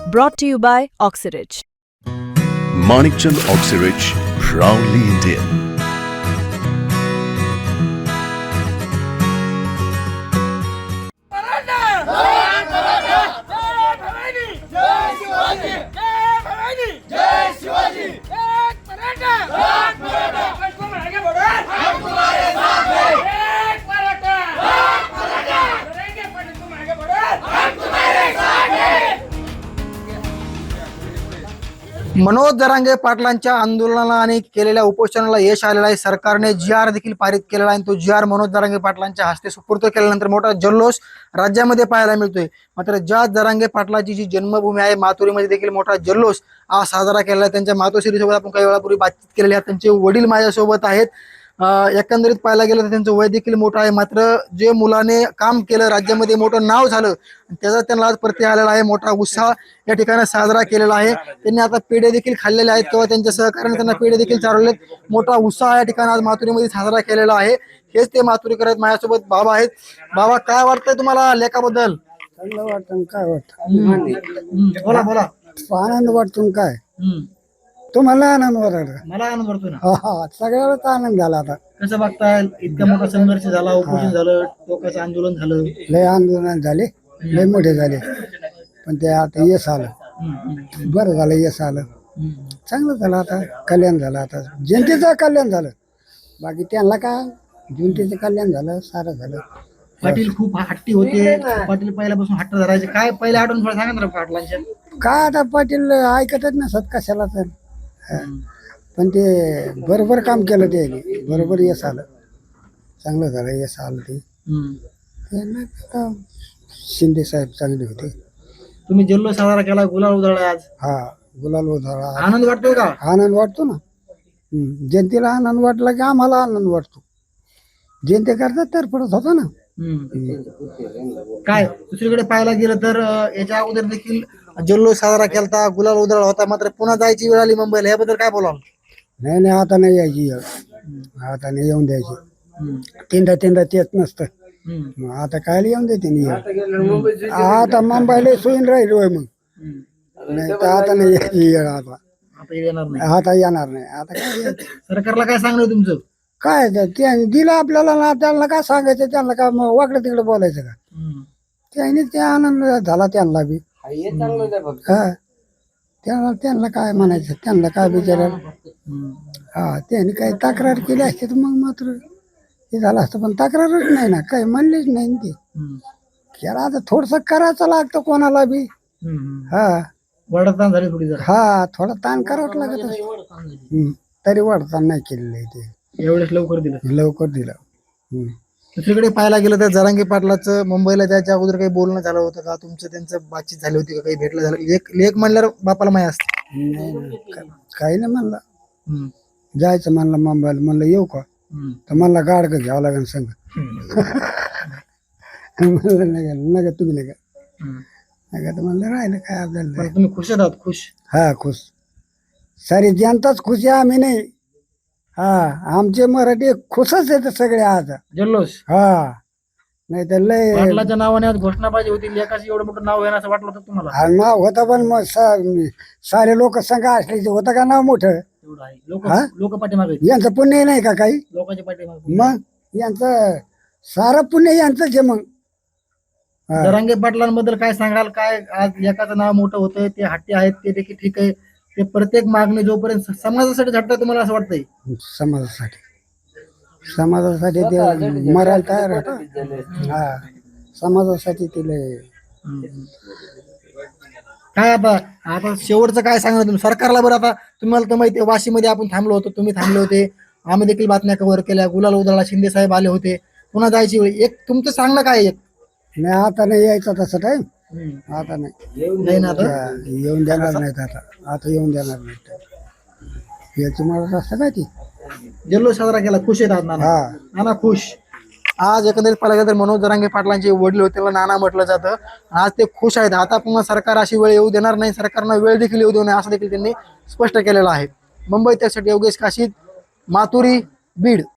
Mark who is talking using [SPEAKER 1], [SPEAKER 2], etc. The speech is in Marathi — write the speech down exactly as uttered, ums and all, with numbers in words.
[SPEAKER 1] Brought to you by Oxyrich.
[SPEAKER 2] Manikchand Oxyrich, proudly Indian.
[SPEAKER 3] Manoj Jarange पाटलांच्या आंदोलनाला आणि केलेल्या उपोषणाला यश आलेलं आहे. सरकारने जी आर देखील पारित केलेला आहे. तो जी आर मनोज जरांगे पाटलांच्या हस्ते सुपूर्द केल्यानंतर मोठा जल्लोष राज्यामध्ये पाहायला मिळतोय. मात्र ज्या जरांगे पाटलाची जी जन्मभूमी आहे माथुरीमध्ये देखील मोठा जल्लोष आज साजरा केला आहे. त्यांच्या मातोश्री सोबत आपण काही वेळापूर्वी बातचीत केलेली आहे. त्यांचे वडील माझ्यासोबत आहेत. एकंदरीत पाहायला गेलं तर त्यांचं वय देखील मोठं आहे. मात्र जे मुलाने काम केलं, राज्यामध्ये मोठं नाव झालं, त्याचा त्यांना आज प्रत्यय आलेला आहे. मोठा उत्साह या ठिकाणी साजरा केलेला आहे. त्यांनी आता पेढे देखील खाल्लेले आहेत किंवा त्यांच्या सहकार्याने त्यांना पेढे देखील चालवलेत. मोठा उत्साह या ठिकाणी आज माथुरीमध्ये साजरा केलेला आहे. हेच ते माथुरीकर आहेत. माझ्यासोबत बाबा आहेत. बाबा, काय वाटतंय तुम्हाला लेखाबद्दल?
[SPEAKER 4] चांगलं वाटतं. काय वाटतं?
[SPEAKER 3] बोला बोला.
[SPEAKER 4] आनंद वाटतो. काय तुम्हाला आनंद वाटत?
[SPEAKER 3] मला आनंद वाटतो ना.
[SPEAKER 4] हा हा, सगळ्यालाच आनंद झाला. आता
[SPEAKER 3] कसं बघताय, इतका मोठा संघर्ष झाला, उपोषण झालं, लोकांचं आंदोलन झालं,
[SPEAKER 4] लय आंदोलन झाले, लय मोठे झाले, पण ते आता यश आलं. बरं झालं, यश आलं, चांगलं झालं. आता कल्याण झालं. आता जनतेचं कल्याण झालं. बाकी त्यांना काय, जनतेचं कल्याण झालं, सारं झालं.
[SPEAKER 3] पाटील खूप हट्टी होते. पाटील पहिल्यापासून हट्ट धरायचे. काय पहिल्या आठवण थोडं सांगा ना पाटलांच्या.
[SPEAKER 4] काय आता पाटील ऐकतच नसत कशाला तर. हा. पण ते बरोबर काम केलं, ते बरोबर यश आलं, चांगलं झालं, यश आलं. ते त्यांना आता शिंदे साहेब चांगले होते.
[SPEAKER 3] तुम्ही जल्लोष साजरा केला, गुलाल उधळला आज.
[SPEAKER 4] हा, गुलाल उधळला.
[SPEAKER 3] आनंद वाटतोय का?
[SPEAKER 4] आनंद वाटतो ना. हम्म. जनतेला आनंद वाटला की आम्हाला आनंद वाटतो. जनतेकरता तर पडत होता ना.
[SPEAKER 3] काय दुसरीकडे पाहायला गेलं तर याच्या अगोदर देखील जल्लोष साजरा केला, गुलाल उधळला होता, मात्र पुन्हा जायची वेळ आली मुंबईला. याबद्दल काय बोलाल?
[SPEAKER 4] नाही नाही, आता नाही यायची, आता नाही येऊन द्यायची. तीनदा तीनदा तेच नसतं. मग आता काय येऊन देते नाही. आता मुंबईला सोयीन राहील होय. मग नाही तर आता नाही यायची वेळ. आता
[SPEAKER 3] आता येणार नाही.
[SPEAKER 4] आता येणार नाही. आता काय
[SPEAKER 3] सरकारला काय सांगणार तुमचं?
[SPEAKER 4] काय ते दिलं आपल्याला ना, त्यांना काय सांगायचं, त्यांना काय वाकडं तिकडे बोलायचं का? त्याने ते आनंद झाला त्यांना बी. हा, त्यांना त्यांना काय म्हणायचं, त्यांना काय विचारायला. हा, त्यांनी काही तक्रार केली असते तर मग मात्र हे झालं असतं, पण तक्रारच नाही ना, काही म्हणलेच नाही ते. त्याला आता थोडस करायचं लागतं कोणाला बी. हा,
[SPEAKER 3] वडतान झाली थोडी जरा.
[SPEAKER 4] हा, थोडा ताण करावं लागत. तरी वडतान नाही केलेलं आहे ते.
[SPEAKER 3] एवढेच लवकर दिलं,
[SPEAKER 4] लवकर दिलं.
[SPEAKER 3] दुसरीकडे पाहायला गेलं तर जरांगे पाटलाचं मुंबईला जायच्या अगोदर काही बोलणं झालं होतं का? तुमचं त्यांचं बातचीत झाली होती का? काही भेटलं झालं? लेख लेख म्हणल्यावर बापाला माहिती असते.
[SPEAKER 4] काही नाही म्हणलं. जायचं म्हणलं मुंबईला. म्हणलं येऊ का? तर म्हणला गाडगं घ्यावं लागेल संग. म्हणलं नाही नका, तुम्ही नका नका तर म्हणलं राहिलं काय आपल्याला.
[SPEAKER 3] तुम्ही खुश आहात? खुश?
[SPEAKER 4] हा, खुश. सारी जनताच खुश आहे, आम्ही नाही. हा, आमचे मराठी खुशच आहेत सगळे आज.
[SPEAKER 3] जल्लोष.
[SPEAKER 4] हा, नाही तर लय
[SPEAKER 3] पाटलाच्या नावाने आज घोषणा पाहिजे होती. लेखाची एवढं मोठं नाव येणार असं वाटलं होतं तुम्हाला?
[SPEAKER 4] हा, नाव होतं, पण मग सारे लोक संघ असले होतं का नाव मोठं?
[SPEAKER 3] लोक लोक पाठीमागे.
[SPEAKER 4] यांचं पुण्य नाही का काही?
[SPEAKER 3] लोकांच्या पाठीमागे.
[SPEAKER 4] मग यांचं सारं पुण्य यांचंच आहे. मग
[SPEAKER 3] जरांगे पाटलांबद्दल काय सांगाल? काय आज एकाचं नाव मोठं होतं, ते हट्टी आहेत, ते देखील ठीक आहे. ते प्रत्येक मागणी जोपर्यंत समाजासाठी झटतं, तुम्हाला असं वाटतंय?
[SPEAKER 4] समाजासाठी समाजासाठी ते मरायला तयार होतं. हा, समाजासाठी तिला
[SPEAKER 3] काय आता आता शेवटचं काय सांगणार तुम्ही सरकारला? बरं, आता तुम्हाला तर माहिती आहे वाशीमध्ये आपण थांबलो होतो, तुम्ही थांबले होते, आम्ही देखील बातम्या कव्हर केल्या, गुलाल उधळला, शिंदे साहेब आले होते, पुन्हा जायची वेळ. एक तुमचं सांगणं काय? एक
[SPEAKER 4] नाही, आता नाही यायचं तसं टाइम. आता नाही
[SPEAKER 3] नाही ना, आता
[SPEAKER 4] येऊन देणार नाहीत. आता आता येऊन देणार नाहीत. याची मला असं काय ती
[SPEAKER 3] जल्लोष साजरा केला. खुश आहेत आज नाना?
[SPEAKER 4] हा,
[SPEAKER 3] नाना खुश. आज एकंदरीत पाहिलं गेलं तर मनोज जरांगे पाटलांचे वडील होते, त्याला नाना म्हटलं जातं. आज ते खुश आहेत. आता पुन्हा सरकार अशी वेळ येऊ देणार नाही, सरकारनं वेळ देखील येऊ देऊ नये असं देखील त्यांनी स्पष्ट केलेलं आहे. मुंबई त्यासाठी योगेश काशीद, माथुरी, बीड.